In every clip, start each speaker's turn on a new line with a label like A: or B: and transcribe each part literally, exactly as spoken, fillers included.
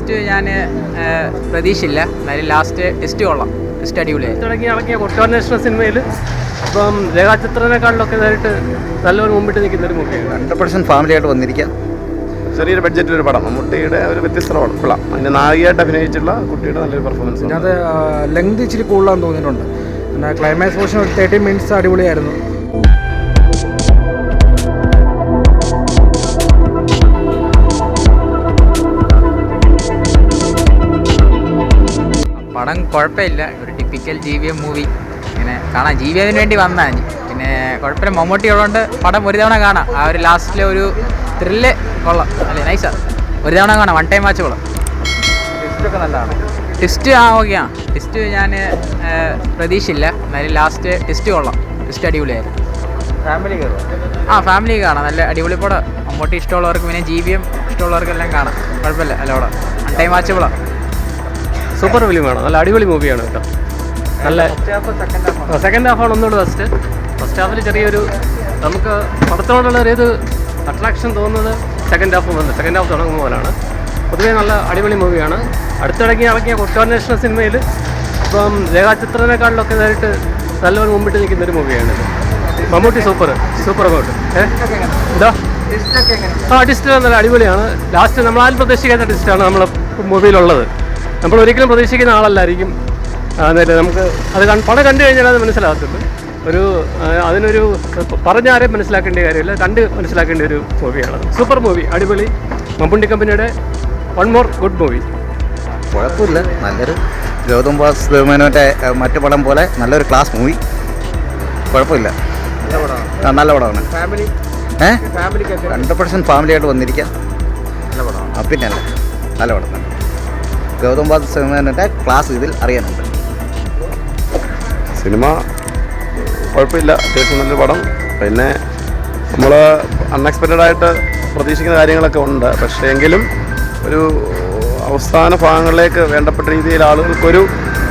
A: Twist ഞാൻ പ്രതീക്ഷയില്ല. എന്നാലും ലാസ്റ്റ് ട്വിസ്റ്റ് കൊള്ളാം. ട്വിസ്റ്റ് അടിപൊളിയായി
B: തുടങ്ങി ഇറങ്ങിയ കുറ്റാന്വേഷണ സിനിമയിൽ ഇപ്പം രേഖാചിത്രത്തെക്കാളിലൊക്കെ ഇതായിട്ട് നല്ലൊരു മുമ്പിട്ട് നിൽക്കുന്ന ഒരു മൂവിയാണ്.
C: ഹൺഡ്രഡ് പെർസെൻറ്റ് ഫാമിലിയായിട്ട് വന്നിരിക്കാം.
D: ചെറിയൊരു ബഡ്ജറ്റിലൊരു പടം, മമ്മൂട്ടിയുടെ ഒരു വ്യത്യസ്ത പടം. അതിൻ്റെ നായികയായിട്ട് അഭിനയിച്ചുള്ള കുട്ടിയുടെ നല്ലൊരു പെർഫോമൻസ്.
E: അത് ലെങ്ത് ഇച്ചിരി കൂടുതലാന്ന് തോന്നിയിട്ടുണ്ട്. പിന്നെ ക്ലൈമാക്സ് പോർഷൻ ഒരു തേർട്ടി മിനിറ്റ്സ് അടിപൊളിയായിരുന്നു.
A: പടം കുഴപ്പമില്ല. ഒരു typical G V M movie ഇങ്ങനെ കാണാം. ജി വി എമ്മിന് വേണ്ടി വന്നാൽ പിന്നെ കുഴപ്പമില്ല. മമ്മൂട്ടി ഉള്ളതുകൊണ്ട് പടം ഒരു തവണ കാണാം. ആ ഒരു ലാസ്റ്റിലെ ഒരു ത്രില്ല് കൊള്ളാം. അല്ലേ, നൈസാ. ഒരു തവണ കാണാം. വൺ ടൈം വാച്ച് കൊള്ളാം.
E: ട്വിസ്റ്റൊക്കെ നല്ലതാണ്.
A: ട്വിസ്റ്റ് ആ ഓക്കെയാണ്. ട്വിസ്റ്റ് ഞാൻ പ്രതീക്ഷയില്ല. എന്നാലും ലാസ്റ്റ് ട്വിസ്റ്റ് കൊള്ളാം. ട്വിസ്റ്റ് അടിപൊളിയായിരുന്നു.
E: ഫാമിലി
A: ആ ഫാമിലി കാണാം. നല്ല അടിപൊളി പടം. മമ്മൂട്ടി ഇഷ്ടമുള്ളവർക്ക് പിന്നെ ജി വി എം ഇഷ്ടമുള്ളവർക്കെല്ലാം കാണാം. കുഴപ്പമില്ല. അല്ല പടം വൺ ടൈം വാച്ചബിളാണ്.
B: സൂപ്പർ ഫിലിമാണ്. നല്ല അടിപൊളി മൂവിയാണ് കേട്ടോ. നല്ല സെക്കൻഡ് ഹാഫാണ് ഒന്നുകൂടെ ബെസ്റ്റ്. ഫസ്റ്റ് ഹാഫിൽ ചെറിയൊരു നമുക്ക് പടത്തോടുള്ള ഒരു ഇത് അട്രാക്ഷൻ തോന്നുന്നത് സെക്കൻഡ് ഹാഫ് വന്ന് സെക്കൻഡ് ഹാഫ് തുടങ്ങുന്ന പോലാണ്. പൊതുവേ നല്ല അടിപൊളി മൂവിയാണ്. അടുത്തിടങ്ങി ഇറങ്ങിയ കുറ്റാന്വേഷണ സിനിമയിൽ ഇപ്പം രേഖാചിത്രത്തെക്കാളിലൊക്കെ ഇതായിട്ട് നല്ലൊരു മുമ്പിട്ട് നിൽക്കുന്ന ഒരു മൂവിയാണ്. മമ്മൂട്ടി സൂപ്പർ സൂപ്പർ അങ്ങോട്ട് ഏഹ് എന്താ ആ ട്വിസ്റ്റ് നല്ല അടിപൊളിയാണ്. ലാസ്റ്റ് നമ്മളാരും പ്രതീക്ഷിക്കാത്ത ട്വിസ്റ്റാണ് നമ്മൾ മൂവിയിലുള്ളത്. നമ്മൾ ഒരിക്കലും പ്രതീക്ഷിക്കുന്ന ആളല്ലായിരിക്കും. അതായത് നമുക്ക് അത് പടം കണ്ടു കഴിഞ്ഞാൽ അത് മനസ്സിലാകത്തുള്ളൂ. ഒരു അതിനൊരു പറഞ്ഞാരെയും മനസ്സിലാക്കേണ്ട കാര്യമില്ല, കണ്ട് മനസ്സിലാക്കേണ്ട ഒരു മൂവിയാണ്. സൂപ്പർ മൂവി, അടിപൊളി. മമ്മൂട്ടി കമ്പനിയുടെ വൺ മോർ ഗുഡ് മൂവി.
C: കുഴപ്പമില്ല. നല്ലൊരു ഗൗതം വാസുദേവനോൻ്റെ മറ്റു പടം പോലെ നല്ലൊരു ക്ലാസ് മൂവി. കുഴപ്പമില്ല. നല്ല പടമാണ്. ഏഹ് ഹൺഡ്രഡ് പെർസെൻറ്റ് ഫാമിലിയായിട്ട് വന്നിരിക്കാം. പിന്നെ അല്ല നല്ല പടം തന്നെ. ഗൗതം വാസുദേവനോൻ്റെ ക്ലാസ് ഇതിൽ അറിയാനുണ്ട്.
D: സിനിമ കുഴപ്പമില്ല, അത്യാവശ്യം നല്ലൊരു പടം. പിന്നെ നമ്മൾ അൺഎക്സ്പെക്റ്റഡ് ആയിട്ട് പ്രതീക്ഷിക്കുന്ന കാര്യങ്ങളൊക്കെ ഉണ്ട്. പക്ഷേ എങ്കിലും ഒരു അവസാന ഭാഗങ്ങളിലേക്ക് വേണ്ടപ്പെട്ട രീതിയിൽ ആളുകൾക്കൊരു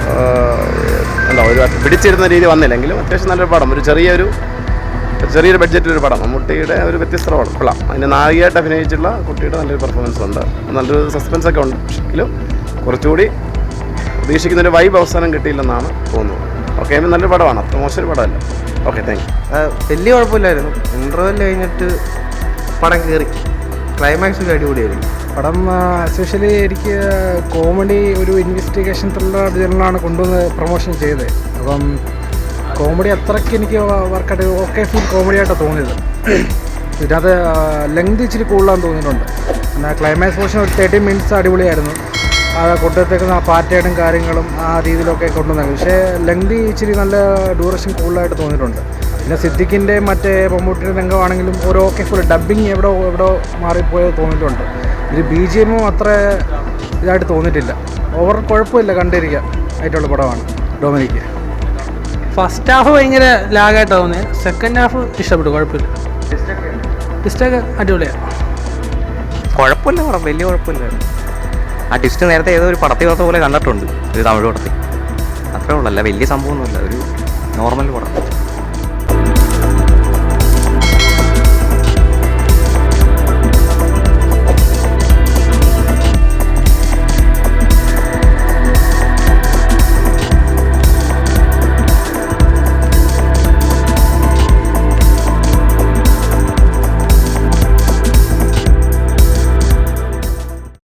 D: എന്താ ഒരു പിടിച്ചിരുന്ന രീതി വന്നില്ലെങ്കിലും അത്യാവശ്യം നല്ലൊരു പടം. ഒരു ചെറിയൊരു ചെറിയൊരു ബഡ്ജറ്റിലൊരു പടം, മമ്മൂട്ടിയുടെ ഒരു വ്യത്യസ്ത പടം. അതിൻ്റെ നായികയായിട്ട് അഭിനയിച്ചുള്ള കുട്ടിയുടെ നല്ലൊരു പെർഫോമൻസ് ഉണ്ട്. നല്ലൊരു സസ്പെൻസ് ഒക്കെ ഉണ്ട്. പക്ഷെങ്കിലും കുറച്ചുകൂടി പ്രതീക്ഷിക്കുന്നൊരു വൈബ് അവസാനം കിട്ടിയില്ലെന്നാണ് തോന്നുന്നത്. ഓക്കെ, നല്ലൊരു പടമാണ്. അത്ര മോശമൊരു പടമല്ല. Okay, thank you.
E: വലിയ കുഴപ്പമില്ലായിരുന്നു. ഇൻ്റർവെൽ കഴിഞ്ഞിട്ട് പടം കയറി. ക്ലൈമാക്സ് ഒക്കെ അടിപൊളിയായിരുന്നു. പടം എസ്പെഷ്യലി എനിക്ക് കോമഡി, ഒരു ഇൻവെസ്റ്റിഗേഷൻ ത്രില്ലർ ജനറലാണ് കൊണ്ടുവന്ന് പ്രൊമോഷൻ ചെയ്തത്. അപ്പം കോമഡി അത്രയ്ക്ക് എനിക്ക് വർക്കായിട്ട് ഓക്കെ ഫുൾ കോമഡിയായിട്ടാണ് തോന്നിയത്. ഇതിനകത്ത് ലെങ്ത് ഇച്ചിരി കൂടുതലാന്ന് തോന്നിയിട്ടുണ്ട്. പിന്നെ ക്ലൈമാക്സ് പോർഷൻ ഒരു തേർട്ടി മിനിറ്റ്സ് അടിപൊളിയായിരുന്നു. ആ കൊണ്ടുവത്തേക്കുന്ന ആ പാറ്റേണും കാര്യങ്ങളും ആ രീതിയിലൊക്കെ കൊണ്ടുവന്നത്. പക്ഷേ ലെങ്ത് ഇച്ചിരി നല്ല ഡ്യൂറേഷൻ കൂടുതലായിട്ട് തോന്നിയിട്ടുണ്ട്. പിന്നെ സിദ്ദിഖിൻ്റെ മറ്റേ മമ്മൂട്ടിയുടെ രംഗമാണെങ്കിലും ഒരു ഓക്കെ ഫുൾ ഡബ്ബിങ് എവിടെ എവിടെ മാറിപ്പോയത് തോന്നിയിട്ടുണ്ട്. ഇത് ബി ജി എമ്മും അത്ര ഇതായിട്ട് തോന്നിയിട്ടില്ല. ഓവർ കുഴപ്പമില്ല, കണ്ടിരിക്കാം ആയിട്ടുള്ള പടമാണ് ഡൊമിനിക്ക്.
B: ഫസ്റ്റ് ഹാഫ് ഭയങ്കര ലാഗായിട്ടാണ് തോന്നിയത്. സെക്കൻഡ് ഹാഫ് ഇഷ്ടപ്പെട്ടു, കുഴപ്പമില്ല. ട്വിസ്റ്റൊക്കെ അടിപൊളിയാണ്.
F: കുഴപ്പമില്ല പടം, വലിയ കുഴപ്പമില്ലായിരുന്നു. ആ ട്വിസ്റ്റ് നേരത്തെ ഏതോ ഒരു പടത്തിൽ പോലെ കണ്ടിട്ടുണ്ട്, ഒരു തമിഴ് പടത്തിൽ. അത്രേ ഉള്ളൂ, അല്ല വലിയ സംഭവമൊന്നുമില്ല, ഒരു നോർമൽ പടം.